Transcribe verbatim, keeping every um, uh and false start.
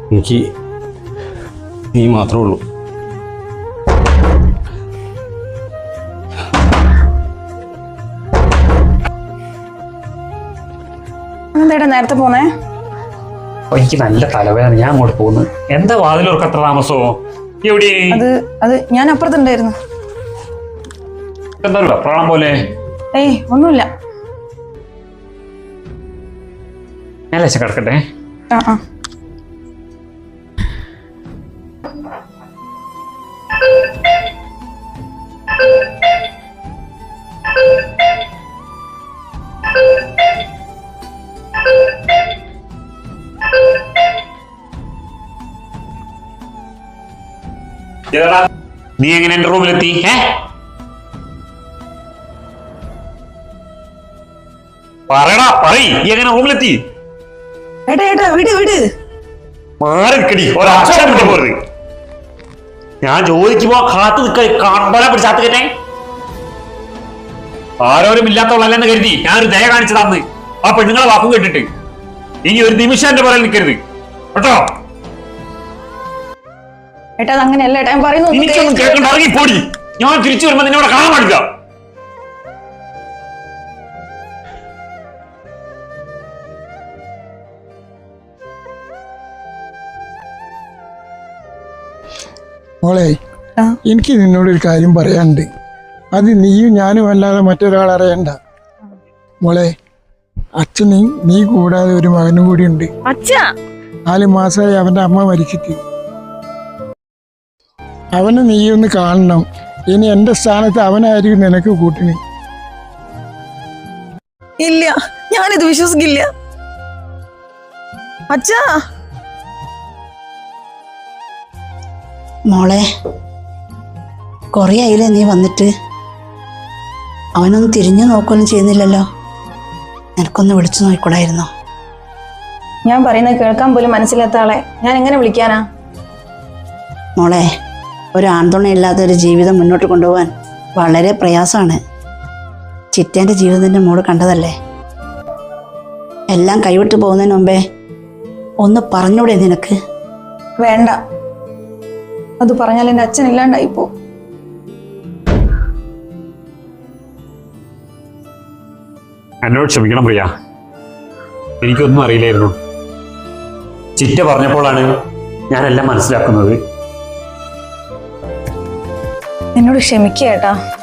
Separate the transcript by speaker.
Speaker 1: എനിക്ക് നീ മാത്രമേ ഉള്ളൂ.
Speaker 2: എന്താ നേരത്തെ പോന്നേ?
Speaker 3: എനിക്ക് നല്ല തലവേദന, ഞാൻ അങ്ങോട്ട് പോകുന്നു. എന്താ വാതിലോർക്ക് അത്ര താമസമോ? എവിടെ?
Speaker 2: അത് അത് ഞാൻ അപ്പുറത്തുണ്ടായിരുന്നു.
Speaker 3: എന്താ പ്രാണം പോലെ?
Speaker 2: ഏയ് ഒന്നുമില്ല.
Speaker 3: ഞാൻ ലേശം കിടക്കട്ടെ.
Speaker 2: ആ ആ
Speaker 3: നീ എങ്ങനെ എന്റെ റൂമിലെത്തി? പറയടാ, പറയ്, നീ എങ്ങനെ റൂമിലെത്തി?
Speaker 2: ഏട്ടാ ഏട്ടാ വിട് വിട്.
Speaker 3: മാറിക്കടി, ഒരക്ഷരം വിട്ടു പോരുത്. ഞാൻ ചോദിക്കുമ്പോ കാത്തു നിൽക്ക, കമ്പല പിടിച്ചാത്ത് കേട്ടെ. ആരോരും ഇല്ലാത്തവളല്ലെന്ന് കരുതി ഞാനൊരു ദയ കാണിച്ചതാന്ന് ആ പെണ്ണുങ്ങളെ വാക്കും കേട്ടിട്ട്. ഇനി ഒരു നിമിഷം എന്റെ പറയാൻ നിൽക്കരുത് കേട്ടോ.
Speaker 2: ഏട്ടാ അങ്ങനെയല്ല ഏട്ടാ, ഞാൻ പറയുന്നു.
Speaker 3: എനിക്കൊന്നും കേൾക്കണ്ട, ഇറങ്ങിപ്പോടി. ഞാൻ തിരിച്ചു വരുമ്പോ നിന്നോട് കാണാൻ പാടില്ല.
Speaker 4: മോളെ, എനിക്ക് നിന്നോടൊരു കാര്യം പറയാനുണ്ട്. അത് നീയും ഞാനും അല്ലാതെ മറ്റൊരാൾ അറിയണ്ട. മോളെ, അച്ഛനും നീ കൂടാതെ ഒരു മകനും കൂടി ഉണ്ട്. നാല് മാസമായി അവന്റെ അമ്മ മരിച്ചിട്ട്. അവനെ നീ ഒന്ന് കാണണം. ഇനി എന്റെ സ്ഥാനത്ത് അവനായിരിക്കും നിനക്ക് കൂട്ടിന്.
Speaker 2: ഇല്ല, ഞാനിത് വിശ്വസിക്കില്ല അച്ഛാ.
Speaker 5: മോളെ, കുറേ ആയില്ലേ നീ വന്നിട്ട്? അവനൊന്നും തിരിഞ്ഞു നോക്കുകയൊന്നും ചെയ്യുന്നില്ലല്ലോ. നിനക്കൊന്ന് വിളിച്ചു നോക്കിക്കൂടായിരുന്നോ?
Speaker 2: ഞാൻ പറയുന്നത് കേൾക്കാൻ പോലും മനസ്സിലാത്ത ആളെ ഞാൻ എങ്ങനെ വിളിക്കാനാ?
Speaker 5: മോളെ, ഒരു ആൺതുണയില്ലാത്ത ഒരു ജീവിതം മുന്നോട്ട് കൊണ്ടുപോകാൻ വളരെ പ്രയാസമാണ്. ചിറ്റേൻ്റെ ജീവിതത്തിൻ്റെ മോള് കണ്ടതല്ലേ. എല്ലാം കൈവിട്ട് പോകുന്നതിന് മുമ്പേ ഒന്ന് പറഞ്ഞൂടെ നിനക്ക്?
Speaker 2: വേണ്ട, അത് പറഞ്ഞാൽ എൻ്റെ അച്ഛൻ ഇല്ലാണ്ടായിപ്പോ.
Speaker 3: എന്നോട് ക്ഷമിക്കണം പ്രിയ, എനിക്കൊന്നും അറിയില്ലായിരുന്നു. ചിറ്റ പറഞ്ഞപ്പോഴാണ് ഞാനെല്ലാം മനസ്സിലാക്കുന്നത്.
Speaker 2: എന്നോട് ക്ഷമിക്കുക ഏട്ടാ.